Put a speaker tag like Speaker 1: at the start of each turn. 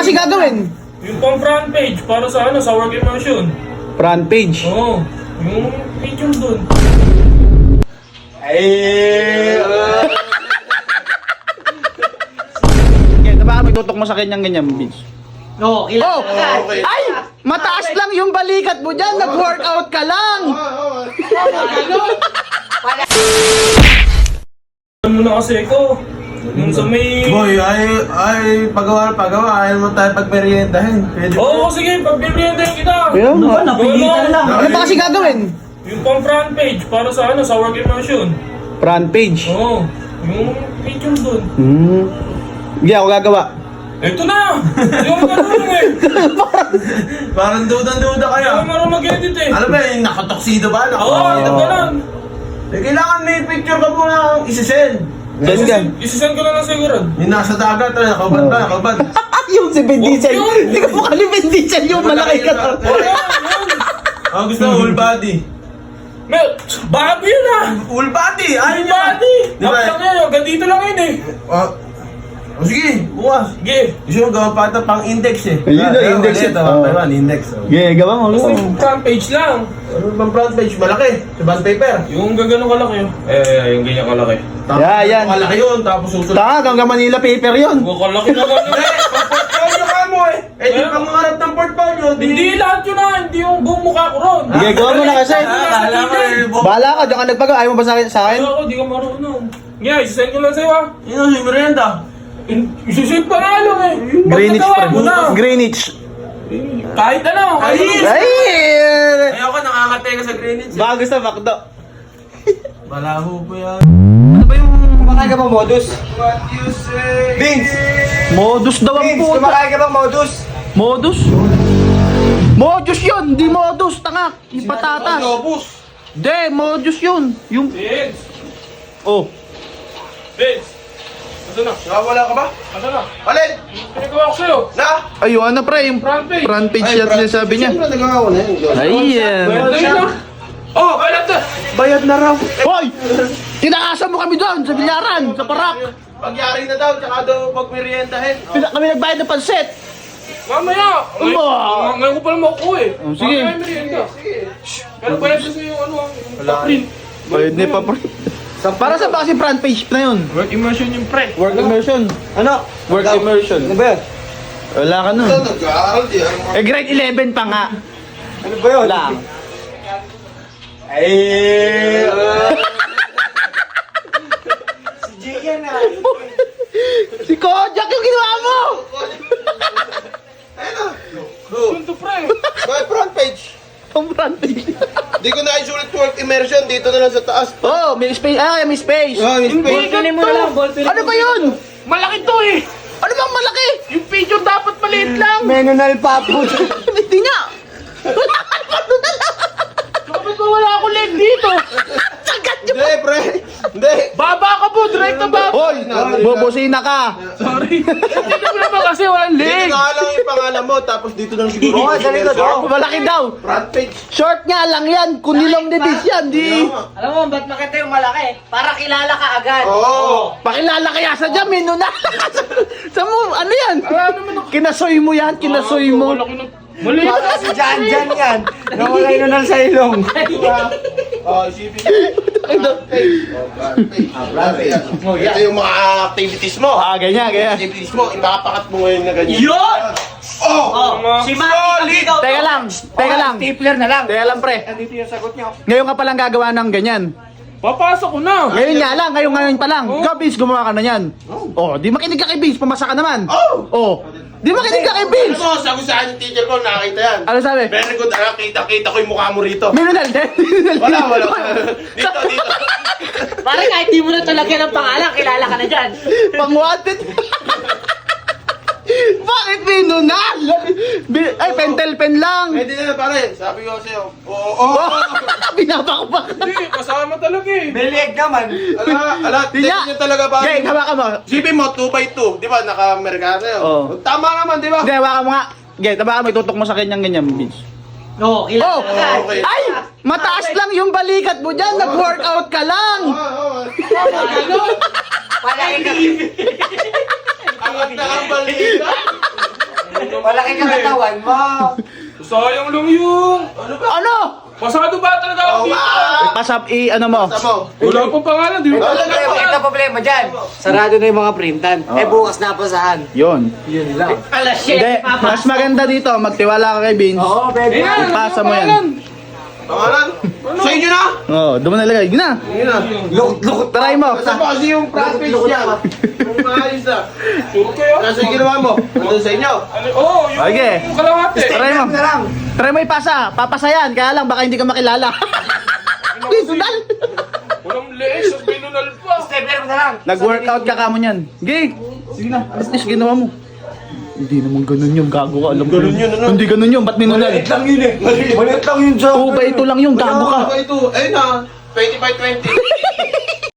Speaker 1: kasi gagawin?
Speaker 2: Yung pang front page para sa ano, sa work immersion.
Speaker 1: Front page.
Speaker 2: Oo. Yung picture dun.
Speaker 1: Okay, baka magtutok mo sa kanyang ganyan, Vince.
Speaker 3: No,
Speaker 1: Oh! Ay! Mataas lang yung balikat mo dyan! Nag-workout ka lang!
Speaker 2: Ano muna kasi ko? Yung sa may...
Speaker 4: Boy, pagawa, ayaw mo tayo pagmeriendahin. Pwede
Speaker 2: Oo, sige, pagbibigyan kita.
Speaker 1: Kaya nga.
Speaker 3: napilitan lang.
Speaker 1: Ano ba kasi gagawin?
Speaker 2: Yung pang front page para sa ano, sa work immersion.
Speaker 1: Front page.
Speaker 2: Oo. Yung picture dun.
Speaker 1: Hindi ako gagawa.
Speaker 2: Ito na! Hindi ako marunong eh.
Speaker 4: Parang duda-duda
Speaker 2: Hindi
Speaker 4: kayo.
Speaker 2: ako marunong mag-edit eh.
Speaker 4: Ano ba, yung nakatoksido ba?
Speaker 2: Oo, ito ka lang.
Speaker 4: Kailangan may picture ka muna isisend.
Speaker 1: Send ka.
Speaker 2: Isisend ko lang siguro.
Speaker 4: Yung nasa dagat, nakaubad ba? Nakaubad.
Speaker 1: Yung si Vin Diesel.
Speaker 2: Yun.
Speaker 1: Hindi ko mukha ni Vin Diesel yung malaki ka.
Speaker 4: Ang gusto mo, full body.
Speaker 2: Mel, bago yun ah!
Speaker 4: Full body! Ayaw niya!
Speaker 2: Body!
Speaker 4: Di ba?
Speaker 2: Tapos lang yun, hanggang dito lang yun eh.
Speaker 4: Sige, bukas.
Speaker 2: Sige.
Speaker 4: Gusto mo gawa pa ito pang index eh.
Speaker 1: Ayun na, index
Speaker 4: Ito,
Speaker 1: eh.
Speaker 4: Taiwan, index.
Speaker 1: Okay, gawa mo.
Speaker 2: Basta yung front page lang.
Speaker 4: Ano bang front page? Malaki. Sa bond paper.
Speaker 2: Yung gagano kalaki yun. Yung ganyan kalaki.
Speaker 4: Tapos,
Speaker 1: Yan.
Speaker 4: malaki yun. Tapos susunod.
Speaker 1: Tanga, hanggang Manila paper yun.
Speaker 2: Huwag kalaki naman yun.
Speaker 4: Portfolio ka mo eh. Eh, di pang harap ng portfolio.
Speaker 2: Hindi lahat yun ah. Hindi yung buong mukha ko ron.
Speaker 1: Sige, gawa mo na kasi.
Speaker 4: Kala mo eh.
Speaker 1: Bahala ka, diyan ka nagpagawa. Ayaw mo ba sa akin?
Speaker 2: Ako, di ka marunong. Yeah, isisend ko lang sa'yo ah.
Speaker 4: Yun si Miranda.
Speaker 2: Isisend pa nga lang eh.
Speaker 1: Greenwich,
Speaker 2: Pagkagawa
Speaker 1: pre.
Speaker 2: mo na.
Speaker 1: Greenwich.
Speaker 2: Kahit ano. Kahit ano.
Speaker 1: Ay!
Speaker 4: Ayoko, nakakatay ka sa Greenwich.
Speaker 1: Baka gusto makdo.
Speaker 4: Balaho po yan.
Speaker 3: Ano ba yung kumakain ka ba modus?
Speaker 4: What you say?
Speaker 3: Vince!
Speaker 1: Modus daw ang
Speaker 3: Vince,
Speaker 1: puta.
Speaker 3: kumakain ka ba modus?
Speaker 1: Modus? Modus yun, di modus, tanga. Yung patatas.
Speaker 4: Lobos.
Speaker 1: Hindi, modus yun. Yung...
Speaker 2: Vince.
Speaker 1: Oh.
Speaker 2: Vince. Ito na.
Speaker 4: Nakawala ka ba?
Speaker 2: Ito na.
Speaker 4: Alin?
Speaker 2: Pinagawa ko sa'yo.
Speaker 4: Na?
Speaker 1: Ayun, ano pre, yung
Speaker 2: Front page.
Speaker 1: front page yan sinasabi niya.
Speaker 4: Siyempre, nagawa ko na yun.
Speaker 1: Ayan.
Speaker 2: Bayad na. Oh, bayad na.
Speaker 1: Bayad na raw. Hoy! Tinakasan mo kami doon, sa bilyaran, sa parak.
Speaker 4: Pagyari na daw, tsaka daw pagmeriendahin.
Speaker 1: Kami nagbayad ng panset.
Speaker 2: Mamaya. Ngayon ko pala makukuha eh.
Speaker 1: Oh, sige.
Speaker 2: Mamaya may merienda. Pero bayad na sa'yo yung ano ah. Yung print.
Speaker 1: Bayad na pa pre. Para sa ba kasi front page na yun?
Speaker 2: Work immersion yung pre.
Speaker 1: Work immersion.
Speaker 3: Ano?
Speaker 1: Work immersion.
Speaker 3: Ano ba yun?
Speaker 1: Wala ka nun.
Speaker 4: Nag-aaral di.
Speaker 1: Eh, grade 11 pa nga.
Speaker 3: Ano ba yun?
Speaker 1: Wala.
Speaker 3: Si Jay yan ah.
Speaker 1: Si Kojak yung ginawa mo!
Speaker 2: Punto pre.
Speaker 4: May front page.
Speaker 1: Ang front page.
Speaker 4: Di ko na isulit work immersion. Dito na lang sa taas.
Speaker 1: Oh, may space. Ah, may space.
Speaker 4: May space.
Speaker 3: Pinin mo na lang, ball.
Speaker 1: Ano ba yun?
Speaker 2: Malaki to eh.
Speaker 1: Ano bang malaki?
Speaker 2: Yung picture dapat maliit lang.
Speaker 3: Menonal papo.
Speaker 1: Hindi nga.
Speaker 2: Bakit ba wala akong leg dito?
Speaker 1: Sagat yung...
Speaker 4: Hindi, pre. Hindi.
Speaker 2: Baba ka po, direct na baba.
Speaker 1: Hoy, bubusina ka.
Speaker 2: Sorry. Hindi naman kasi walang
Speaker 4: Dito
Speaker 2: leg.
Speaker 4: na lang yung pangalan mo. Tapos dito lang siguro.
Speaker 3: Oo, dali ko,
Speaker 4: immersion.
Speaker 1: Malaki daw.
Speaker 4: Front page.
Speaker 1: Short nga lang yan. Kunilong ni Bis yan. Di.
Speaker 3: Alam mo, ba't makita yung malaki? Para kilala ka agad.
Speaker 4: Oo.
Speaker 1: Pakilala kaya sa dyan, menu na. Sa mo, ano yan? Kinasoy mo yan, kinasoy mo.
Speaker 2: Maliit
Speaker 3: Para si Jan Jan yan. Nawala yung nunal sa ilong.
Speaker 4: Isipin mo. Front page. Ito yung mga activities mo.
Speaker 1: Ah, ganyan, ganyan.
Speaker 4: Activities mo. Ipapakat mo ngayon na ganyan.
Speaker 3: Yun!
Speaker 4: Oh!
Speaker 3: Si Maki ikaw.
Speaker 1: Teka lang, teka lang.
Speaker 3: Stapler na lang.
Speaker 1: Teka lang, pre.
Speaker 3: Andito yung sagot niyo.
Speaker 1: Ngayon ka palang gagawa ng ganyan.
Speaker 2: Papasok ko na.
Speaker 1: Ngayon nga lang, ngayon pa lang. Ikaw, Vince, gumawa ka na yan. Oh, di makinig ka kay Vince, pumasa ka naman. Oh, di makinig ka kay
Speaker 4: Ano
Speaker 1: Vince.
Speaker 4: mo, sagusahan yung teacher ko, nakakita yan.
Speaker 1: Ano sabi?
Speaker 4: Very good, kita ko yung mukha mo rito.
Speaker 1: Minunal din.
Speaker 4: Wala. Dito.
Speaker 3: Para kahit di mo na talagyan ng pangalan, kilala ka na dyan.
Speaker 1: Pang-wanted. Bakit minunal? Ay, pentel pen lang.
Speaker 4: Pwede na, pare. Sabi ko sa'yo. Oo.
Speaker 1: Oh, binabakbak.
Speaker 2: Hindi, kasama talaga eh.
Speaker 3: Bilig naman.
Speaker 4: Ala,
Speaker 1: Di
Speaker 4: tingin
Speaker 1: nga.
Speaker 4: niyo talaga ba?
Speaker 1: Okay, hawakan mo.
Speaker 4: Sipin mo, 2x2. Di ba, naka-Amerikano yun.
Speaker 1: Oo.
Speaker 4: Tama naman, di ba?
Speaker 1: Hindi, hawakan mo nga. Okay, hawakan mo, itutok mo sa kanyang ganyan, Vince.
Speaker 3: No,
Speaker 1: Oh!
Speaker 4: Okay.
Speaker 1: Ay! Mataas lang yung balikat mo dyan! Nag-workout ka lang!
Speaker 3: Palagi ka.
Speaker 4: Angat na ang balita.
Speaker 3: laki ng katawan mo.
Speaker 2: Sayang lang yung...
Speaker 1: Ano?
Speaker 2: Pasado ba talaga ako dito?
Speaker 1: Pasap ano mo?
Speaker 2: Wala pang pangalan, di ba?
Speaker 3: Ito problema dyan. Sarado na yung mga printan. Eh bukas na saan?
Speaker 1: Yun.
Speaker 3: Yun lang. Alas shit.
Speaker 1: Hindi, mas maganda dito, magtiwala ka kay Vince.
Speaker 3: Oo, baby.
Speaker 1: Ipasa mo yan.
Speaker 4: Pangalan? Sa inyo na?
Speaker 1: Oo, doon mo nalagay. Yun na.
Speaker 4: Yun na.
Speaker 3: Lukot-lukot.
Speaker 1: Try mo.
Speaker 4: Basta pa kasi yung prospects niya. Yung maayos na.
Speaker 2: Sure kayo?
Speaker 4: Nasa yung ginawa mo? Nandun sa inyo?
Speaker 2: Ano? Oo, yung
Speaker 1: Okay.
Speaker 2: kalahati.
Speaker 1: Try mo.
Speaker 3: Na lang.
Speaker 1: Try mo ipasa. Papasa yan. Kaya lang, baka hindi ka makilala. Sundal.
Speaker 2: Walang lees, ang binunal pa.
Speaker 3: Stapler mo na lang.
Speaker 1: Nag-workout ka kamo niyan. Gig. Sige na. At least ginawa mo. Hindi naman ganun yung gago ka. Alam ko.
Speaker 4: Ganun yun, ano?
Speaker 1: Hindi ganun yung. Ba't minunal?
Speaker 3: Maliit lang yun eh. Maliit lang yun sa...
Speaker 1: 2 by 2 lang yung gago ka.
Speaker 4: Ito, ayun na. 20 by 20.